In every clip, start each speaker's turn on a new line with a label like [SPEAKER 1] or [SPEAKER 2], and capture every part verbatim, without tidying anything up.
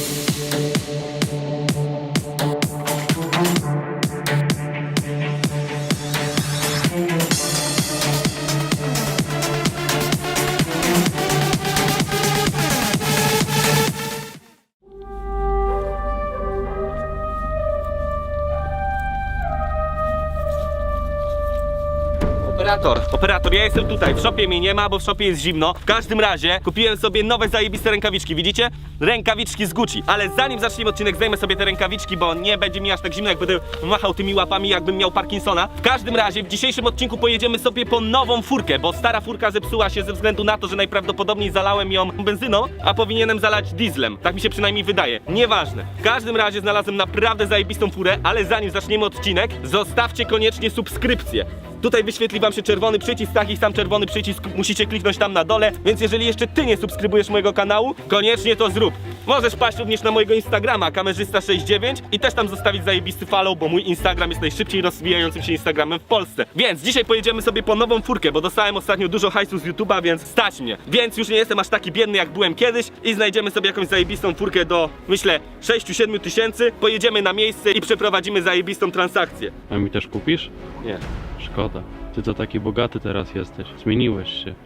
[SPEAKER 1] Operator, operator, ja jestem tutaj, w shopie mnie nie ma, bo w shopie jest zimno. W każdym razie kupiłem sobie nowe zajebiste rękawiczki, widzicie? Rękawiczki z Gucci. Ale zanim zaczniemy odcinek, zdejmę sobie te rękawiczki, bo nie będzie mi aż tak zimno, jak będę machał tymi łapami, jakbym miał Parkinsona. W każdym razie w dzisiejszym odcinku pojedziemy sobie po nową furkę, bo stara furka zepsuła się ze względu na to, że najprawdopodobniej zalałem ją benzyną, a powinienem zalać dieslem. Tak mi się przynajmniej wydaje. Nieważne. W każdym razie znalazłem naprawdę zajebistą furę, ale zanim zaczniemy odcinek, zostawcie koniecznie subskrypcję. Tutaj wyświetli wam się czerwony przycisk, taki sam czerwony przycisk musicie kliknąć tam na dole, więc jeżeli jeszcze ty nie subskrybujesz mojego kanału, koniecznie to zrób. Możesz paść również na mojego Instagrama, kamerzysta sześćdziesiąt dziewięć i też tam zostawić zajebisty follow, bo mój Instagram jest najszybciej rozwijającym się Instagramem w Polsce. Więc dzisiaj pojedziemy sobie po nową furkę, bo dostałem ostatnio dużo hajsu z YouTube'a, więc stać mnie. Więc już nie jestem aż taki biedny, jak byłem kiedyś i znajdziemy sobie jakąś zajebistą furkę do, myślę, sześć do siedmiu tysięcy. Pojedziemy na miejsce i przeprowadzimy zajebistą transakcję.
[SPEAKER 2] A mi też kupisz?
[SPEAKER 1] Nie.
[SPEAKER 2] Szkoda. Ty to taki bogaty teraz jesteś. Zmieniłeś się.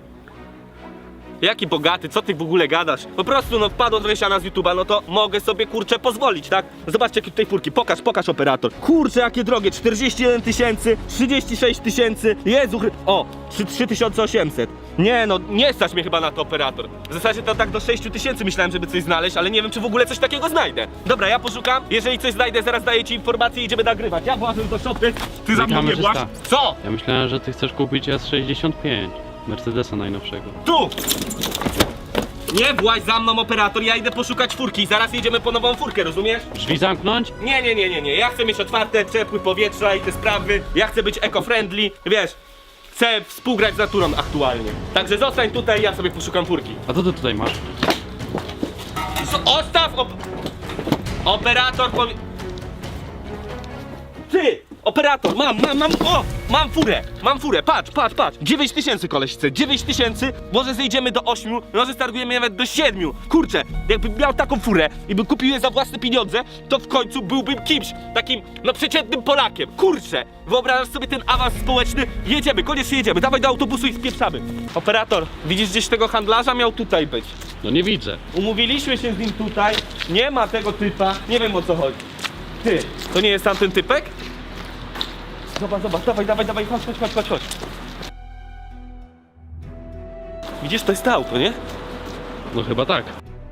[SPEAKER 1] Jaki bogaty, co ty w ogóle gadasz? Po prostu no wpadło trochę siana z YouTube'a, no to mogę sobie kurczę pozwolić, tak? Zobaczcie jakie tutaj furki, pokaż, pokaż operator. Kurczę jakie drogie, czterdzieści jeden tysięcy, trzydzieści sześć tysięcy, Jezu, o, trzy tysiące osiemset. Nie no, nie stać mnie chyba na to operator. W zasadzie to tak do sześciu tysięcy myślałem, żeby coś znaleźć, ale nie wiem czy w ogóle coś takiego znajdę. Dobra, ja poszukam, jeżeli coś znajdę, zaraz daję ci informację i idziemy nagrywać. Ja włażę do szopy, ty za mną nie właź. Co?
[SPEAKER 2] Ja myślałem, że ty chcesz kupić S sześćdziesiąt pięć. Mercedesa najnowszego.
[SPEAKER 1] Tu! Nie właź za mną operator, ja idę poszukać furki i zaraz jedziemy po nową furkę, rozumiesz?
[SPEAKER 2] Drzwi zamknąć?
[SPEAKER 1] Nie, nie, nie, nie, nie, ja chcę mieć otwarte, przepływ powietrza i te sprawy, ja chcę być eco-friendly, wiesz, chcę współgrać z naturą aktualnie. Także zostań tutaj, ja sobie poszukam furki.
[SPEAKER 2] A co ty tutaj masz?
[SPEAKER 1] Ostaw op... Operator powie... Ty! Operator, mam, mam, mam, o! Mam furę, mam furę, patrz, patrz, patrz. dziewięć tysięcy koleś chce, dziewięć tysięcy, może zejdziemy do ośmiu, może stargujemy nawet do siedmiu. Kurczę, jakbym miał taką furę i bym kupił je za własne pieniądze, to w końcu byłbym kimś, takim, no przeciętnym Polakiem. Kurczę, wyobrażasz sobie ten awans społeczny? Jedziemy, koniecznie jedziemy, dawaj do autobusu i spieprzamy. Operator, widzisz gdzieś tego handlarza? Miał tutaj być.
[SPEAKER 2] No nie widzę.
[SPEAKER 1] Umówiliśmy się z nim tutaj, nie ma tego typa, nie wiem o co chodzi. Ty, to nie jest tamten typek? Zobacz, zobacz, dawaj, dawaj, dawaj, chodź, chodź, chodź, chodź, chodź. Widzisz, to jest to auto, nie?
[SPEAKER 2] No chyba tak.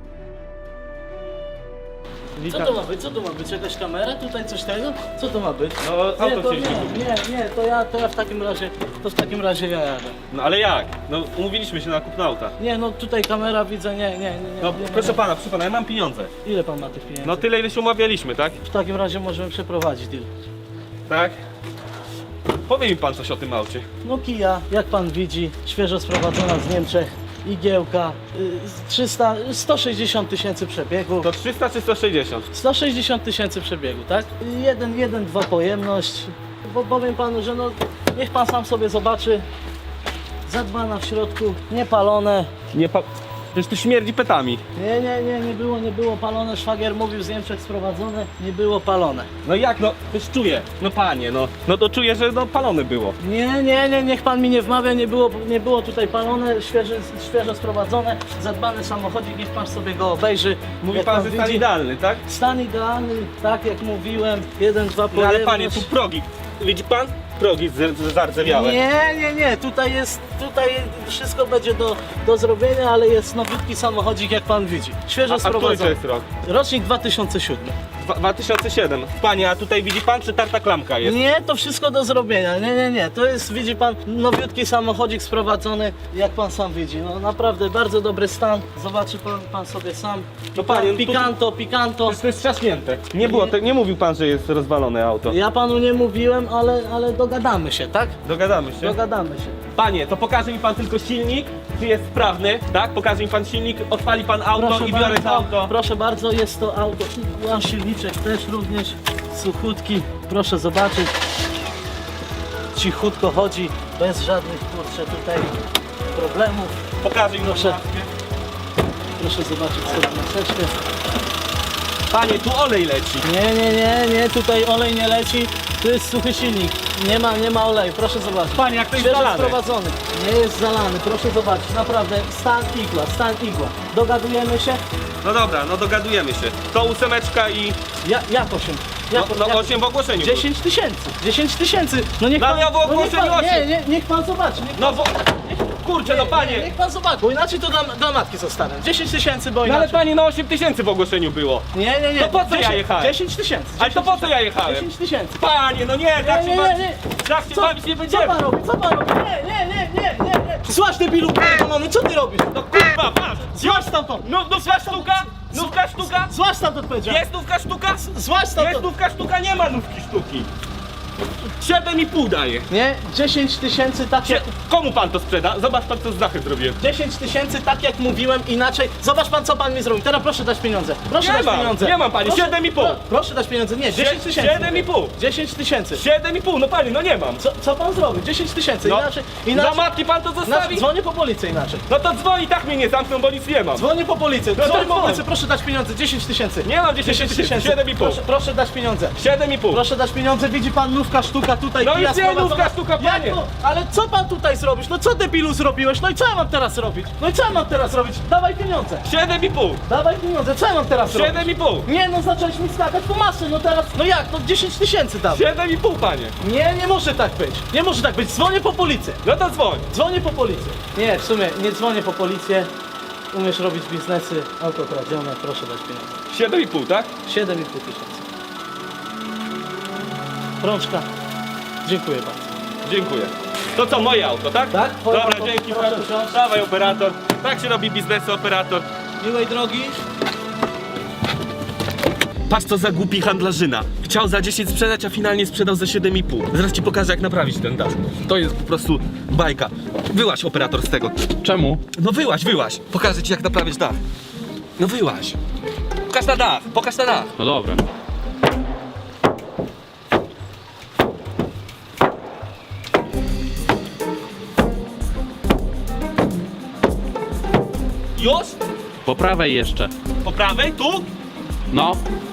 [SPEAKER 3] Co to ma być? Co to ma być? Jakaś kamera? Tutaj coś tego? Co to ma być?
[SPEAKER 1] No,
[SPEAKER 3] Nie,
[SPEAKER 1] auto
[SPEAKER 3] to
[SPEAKER 1] chcieliśmy
[SPEAKER 3] nie,
[SPEAKER 1] kupić.
[SPEAKER 3] nie, nie, to ja, to ja w takim razie, to w takim razie ja jadę.
[SPEAKER 1] No ale jak? No umówiliśmy się na kupno auta.
[SPEAKER 3] Nie, no tutaj kamera widzę, nie, nie, nie, nie.
[SPEAKER 1] No
[SPEAKER 3] nie, nie,
[SPEAKER 1] proszę
[SPEAKER 3] nie.
[SPEAKER 1] pana, proszę pana, ja mam pieniądze.
[SPEAKER 3] Ile pan ma tych pieniędzy?
[SPEAKER 1] No tyle ile się umawialiśmy, tak?
[SPEAKER 3] W takim razie możemy przeprowadzić deal.
[SPEAKER 1] Tak? Powie mi pan coś o tym aucie.
[SPEAKER 3] No Kia, jak pan widzi, świeżo sprowadzona z Niemczech, igiełka, y, trzysta, sto sześćdziesiąt tysięcy przebiegu.
[SPEAKER 1] To trzysta czy sto sześćdziesiąt?
[SPEAKER 3] sto sześćdziesiąt tysięcy przebiegu, tak? jeden, jeden, dwa pojemność. Bo powiem panu, że no, niech pan sam sobie zobaczy. Zadbana w środku, niepalone.
[SPEAKER 1] Nie pa... Przecież tu śmierdzi petami.
[SPEAKER 3] Nie, nie, nie, nie było, nie było palone. Szwagier mówił z Niemczech sprowadzone, nie było palone.
[SPEAKER 1] No jak no? Też czuję. No panie, no. No to czuję, że no palone było.
[SPEAKER 3] Nie, nie, nie, niech pan mi nie wmawia, nie było, nie było tutaj palone, świeże, świeżo sprowadzone, zadbany samochodzik, niech pan sobie go obejrzy.
[SPEAKER 1] Mówi
[SPEAKER 3] Jak
[SPEAKER 1] pan, że stan
[SPEAKER 3] widzi,
[SPEAKER 1] idealny, tak?
[SPEAKER 3] Stan idealny, tak jak mówiłem, jeden, dwa
[SPEAKER 1] No
[SPEAKER 3] pojemność.
[SPEAKER 1] ale panie, tu progi. Widzi pan? Progi z- z- zardzewiałe.
[SPEAKER 3] Nie, nie, nie, tutaj jest, tutaj wszystko będzie do, do zrobienia, ale jest nowiutki samochodzik, jak pan widzi. Świeżo
[SPEAKER 1] A, a który to
[SPEAKER 3] sprowadzony.
[SPEAKER 1] jest rok?
[SPEAKER 3] Rocznik dwa tysiące siódmy.
[SPEAKER 1] Dwa- dwa tysiące siedem. Panie, a tutaj widzi pan, czy tarta klamka jest?
[SPEAKER 3] Nie, to wszystko do zrobienia. Nie, nie, nie. To jest, widzi pan, nowiutki samochodzik sprowadzony, jak pan sam widzi. No naprawdę bardzo dobry stan. Zobaczy pan, pan sobie sam.
[SPEAKER 1] No panie, no tu-
[SPEAKER 3] Pikanto, pikanto.
[SPEAKER 1] To jest trzaśnięte. Nie było, te, nie mówił pan, że jest rozwalone auto.
[SPEAKER 3] Ja panu nie mówiłem, ale, ale dogadamy się, tak?
[SPEAKER 1] Dogadamy się.
[SPEAKER 3] Dogadamy się.
[SPEAKER 1] Panie, to pokaże mi pan tylko silnik, czy jest sprawny, tak? Pokaże mi pan silnik, odpali pan auto i biorę to auto.
[SPEAKER 3] Proszę bardzo, jest to auto. Mam silniczek też również, suchutki. Proszę zobaczyć. Cichutko chodzi, bez żadnych, kurczę, tutaj problemów.
[SPEAKER 1] Pokaże mi
[SPEAKER 3] Proszę.
[SPEAKER 1] pan.
[SPEAKER 3] Proszę zobaczyć sobie maseczkę.
[SPEAKER 1] Panie, tu olej leci.
[SPEAKER 3] Nie, nie, nie, nie, tutaj olej nie leci. Tu jest suchy silnik. Nie ma, nie ma oleju, proszę zobaczyć.
[SPEAKER 1] Panie, jak to jest
[SPEAKER 3] Świeżo
[SPEAKER 1] zalane.
[SPEAKER 3] sprowadzony. Nie jest zalany, proszę zobaczyć. Naprawdę, stan igła, stan igła. Dogadujemy się?
[SPEAKER 1] No dobra, no dogadujemy się. To ósemeczka i...
[SPEAKER 3] Ja, jak osiem?
[SPEAKER 1] No,
[SPEAKER 3] Jak,
[SPEAKER 1] no
[SPEAKER 3] jak-
[SPEAKER 1] osiem w ogłoszeniu było.
[SPEAKER 3] dziesięć tysięcy. dziesięć tysięcy. No niech
[SPEAKER 1] No,
[SPEAKER 3] pan,
[SPEAKER 1] ja w
[SPEAKER 3] no niech
[SPEAKER 1] ogłoszeniu
[SPEAKER 3] pan, nie,
[SPEAKER 1] osiem.
[SPEAKER 3] nie, niech pan zobaczy. Niech
[SPEAKER 1] No
[SPEAKER 3] pan,
[SPEAKER 1] bo... Kurczę, no
[SPEAKER 3] nie,
[SPEAKER 1] panie.
[SPEAKER 3] niech pan zobaczy, bo inaczej to dla, dla matki zostanę. dziesięć tysięcy, bo
[SPEAKER 1] No
[SPEAKER 3] inaczej.
[SPEAKER 1] ale panie, no osiem tysięcy w ogłoszeniu było.
[SPEAKER 3] Nie, nie, nie.
[SPEAKER 1] To po co ja
[SPEAKER 3] dziesięć
[SPEAKER 1] jechałem?
[SPEAKER 3] dziesięć tysięcy.
[SPEAKER 1] Ale to po co ja jechałem?
[SPEAKER 3] dziesięć tysięcy.
[SPEAKER 1] Panie, no nie, tak
[SPEAKER 3] Nie,
[SPEAKER 1] się
[SPEAKER 3] nie,
[SPEAKER 1] bawić
[SPEAKER 3] nie, nie.
[SPEAKER 1] tak się
[SPEAKER 3] Co,
[SPEAKER 1] bawić nie
[SPEAKER 3] co
[SPEAKER 1] będziemy.
[SPEAKER 3] pan robi? Co pan robi? Nie, nie, nie, nie, nie, nie. Złaś debilu, mamy, co ty robisz?
[SPEAKER 1] No kurwa, patrz.
[SPEAKER 3] Złaś stamtąd.
[SPEAKER 1] No, nówka sztuka? Nówka sztuka?
[SPEAKER 3] Złaś stamtąd powiedziałem.
[SPEAKER 1] Jest nówka sztuka?
[SPEAKER 3] Złaś
[SPEAKER 1] Jest
[SPEAKER 3] stamtąd.
[SPEAKER 1] nówka sztuka, nie ma nówki sztuki. Siedem i pół daje.
[SPEAKER 3] Nie, dziesięć tysięcy tak jak...
[SPEAKER 1] Komu pan to sprzeda? Zobacz pan co z dachy zrobiłem.
[SPEAKER 3] dziesięć tysięcy tak jak mówiłem, inaczej. Zobacz pan co pan mi zrobił. Teraz proszę dać pieniądze. Proszę
[SPEAKER 1] Nie
[SPEAKER 3] dać
[SPEAKER 1] mam,
[SPEAKER 3] pieniądze.
[SPEAKER 1] nie mam, panie,
[SPEAKER 3] Proszę-
[SPEAKER 1] siedem i pół.
[SPEAKER 3] pro- Proszę dać pieniądze. Nie, dziesięć tysięcy.
[SPEAKER 1] Siedem i pół.
[SPEAKER 3] dziesięć tysięcy.
[SPEAKER 1] Siedem i pół, no panie, no nie mam.
[SPEAKER 3] Co, co pan zrobił? dziesięć tysięcy.
[SPEAKER 1] No,
[SPEAKER 3] Inaczej.
[SPEAKER 1] Dla
[SPEAKER 3] Inaczej.
[SPEAKER 1] matki pan to
[SPEAKER 3] inaczej.
[SPEAKER 1] zostawi?
[SPEAKER 3] Dzwonię po policję inaczej.
[SPEAKER 1] No to dzwoni, tak mnie nie zamkną, bo nic nie mam.
[SPEAKER 3] Dzwonię po policję.
[SPEAKER 1] No to
[SPEAKER 3] Dzwonię po
[SPEAKER 1] dzwoń.
[SPEAKER 3] policję. Proszę dać pieniądze. dziesięć tysięcy.
[SPEAKER 1] Nie mam dziesięć tysięcy, siedem i pół.
[SPEAKER 3] Proszę, proszę dać pieniądze.
[SPEAKER 1] Siedem i pół.
[SPEAKER 3] Proszę dać pieniądze, widzi pan nówka sztuka tutaj.
[SPEAKER 1] No
[SPEAKER 3] kija
[SPEAKER 1] już nie
[SPEAKER 3] sprowadzona.
[SPEAKER 1] nówka sztuka, panie.
[SPEAKER 3] Jak to? Ale co pan tutaj zrobisz? No co debilu zrobiłeś? No i co ja mam teraz robić? No i co ja mam teraz robić? Dawaj pieniądze.
[SPEAKER 1] Siedem i pół.
[SPEAKER 3] Dawaj pieniądze, co ja mam teraz robić?
[SPEAKER 1] Siedem i pół.
[SPEAKER 3] Nie no, zacząłeś mi skakać po masy, no teraz, no jak, no dziesięć tysięcy dam.
[SPEAKER 1] Siedem i pół, panie.
[SPEAKER 3] Nie, nie może tak być, nie może tak być, dzwonię po policję,
[SPEAKER 1] No to dzwoń.
[SPEAKER 3] dzwonię po policję. Nie, w sumie, nie dzwonię po policję, umiesz robić biznesy, auto kradzione, proszę dać pieniądze.
[SPEAKER 1] Siedem i pół, tak?
[SPEAKER 3] siedem i pół tysięcy. Rączka, dziękuję bardzo.
[SPEAKER 1] Dziękuję. To co, moje auto, tak?
[SPEAKER 3] Tak, twoje
[SPEAKER 1] Dobra,
[SPEAKER 3] auto.
[SPEAKER 1] dzięki.
[SPEAKER 3] Proszę
[SPEAKER 1] Proszę.
[SPEAKER 3] wsiąść.
[SPEAKER 1] Dawaj, operator. Tak się robi biznesy, operator.
[SPEAKER 3] Miłej drogi.
[SPEAKER 1] Patrz co za głupi handlarzyna. Chciał za dziesięć sprzedać, a finalnie sprzedał za siedem i pół. Zaraz ci pokażę jak naprawić ten dach. To jest po prostu bajka. Wyłaź operator z tego.
[SPEAKER 2] Czemu?
[SPEAKER 1] No wyłaź, wyłaź. Pokażę ci jak naprawić dach. No wyłaź. Pokaż na dach, pokaż na dach.
[SPEAKER 2] No dobra.
[SPEAKER 1] Już?
[SPEAKER 2] Po prawej jeszcze.
[SPEAKER 1] Po prawej? Tu?
[SPEAKER 2] No.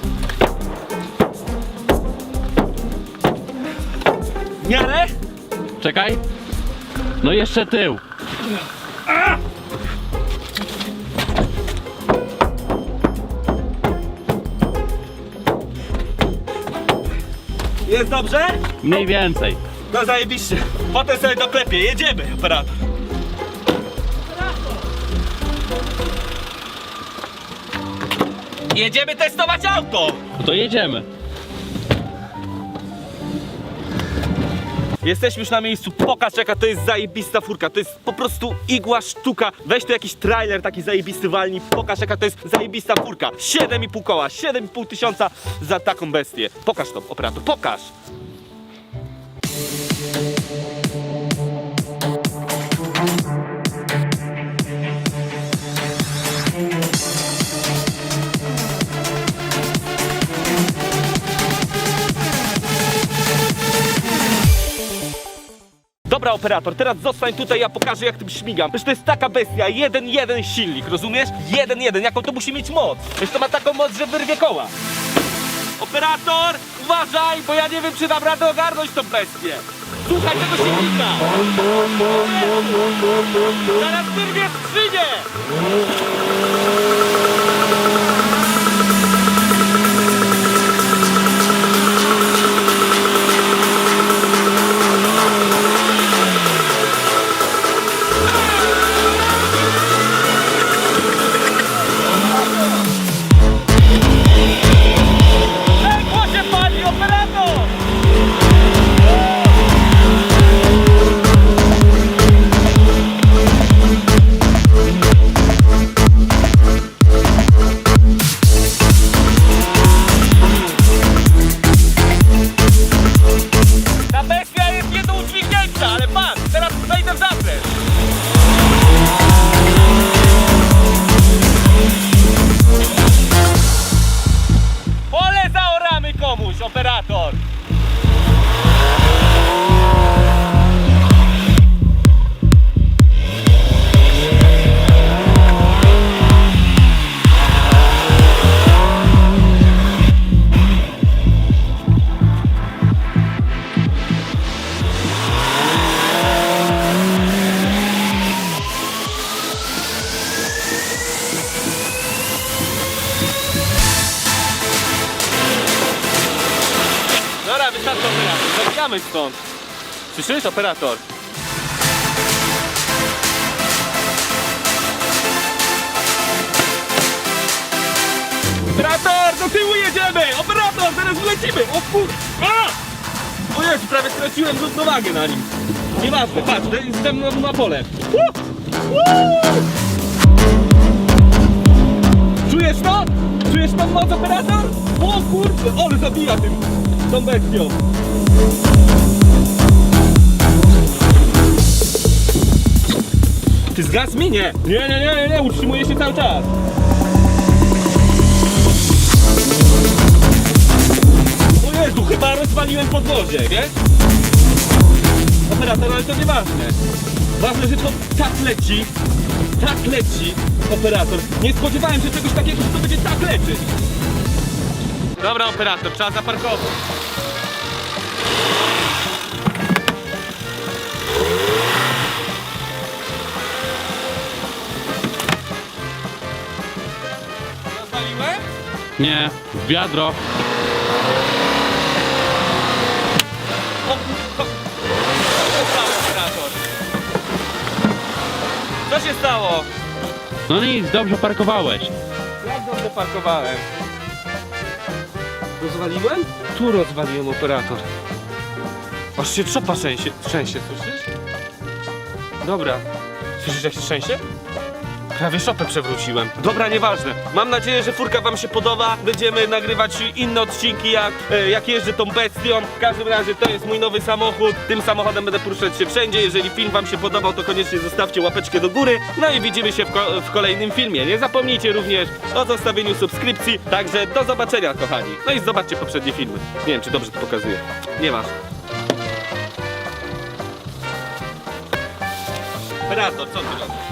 [SPEAKER 1] W miarę?
[SPEAKER 2] Czekaj. No jeszcze tył.
[SPEAKER 1] Jest dobrze?
[SPEAKER 2] Mniej więcej.
[SPEAKER 1] No zajebiście. Potem sobie doklepię. Jedziemy, operator. Jedziemy testować auto.
[SPEAKER 2] No to jedziemy.
[SPEAKER 1] Jesteśmy już na miejscu, pokaż jaka to jest zajebista furka, to jest po prostu igła sztuka. Weź tu jakiś trailer taki zajebisty walni, pokaż jaka to jest zajebista furka. siedem i pół koła, siedem i pół tysiąca za taką bestię. Pokaż to, operator, pokaż. Dobra operator, teraz zostań tutaj, ja pokażę jak tym śmigam. Przecież to jest taka bestia, jeden, jeden silnik, rozumiesz? Jeden, jeden, jaką to musi mieć moc? Przecież to ma taką moc, że wyrwie koła. Operator, uważaj, bo ja nie wiem czy dam radę ogarnąć tą bestię. Słuchaj tego silnika. Zaraz wyrwie skrzynię. Pękło się pali, operator! Zabijamy stąd. Słyszysz, operator? Operator, do tyłu jedziemy! Operator, zaraz wlecimy! O kur... A! O Jezu, prawie straciłem równowagę na nim. Nieważne, patrz, jestem na, na pole. Uh! Uh! Czujesz to? Czujesz tą moc, operator? O kurde, ale zabija tym, tą bestią. Ty zgasł mi? Nie. Nie, nie, nie, nie, nie, utrzymuje się cały czas. O Jezu, chyba rozwaliłem podwozie, wiesz? Operator, ale to nieważne. Ważne, że to tak leci, tak leci, operator. Nie spodziewałem się czegoś takiego, że to będzie tak lecieć. Dobra, operator, trzeba zaparkować. Rozwaliłem?
[SPEAKER 2] Nie, w wiadro.
[SPEAKER 1] O, co? Co się stało, operator? Co się stało?
[SPEAKER 2] No nic, dobrze parkowałeś.
[SPEAKER 1] Jak dobrze parkowałem? Rozwaliłem? Tu rozwaliłem, operator. Aż się trzopa trzęsie, trzęsie, słyszysz? Dobra. Słyszysz jak się trzęsie? Prawie szopę przewróciłem. Dobra, nieważne. Mam nadzieję, że furka wam się podoba. Będziemy nagrywać inne odcinki, jak, e, jak jeżdżę tą bestią. W każdym razie to jest mój nowy samochód. Tym samochodem będę poruszać się wszędzie. Jeżeli film wam się podobał, to koniecznie zostawcie łapeczkę do góry. No i widzimy się w, ko w kolejnym filmie. Nie zapomnijcie również o zostawieniu subskrypcji. Także do zobaczenia, kochani. No i zobaczcie poprzednie filmy. Nie wiem, czy dobrze to pokazuję. Nie masz. Operator, co ty robisz?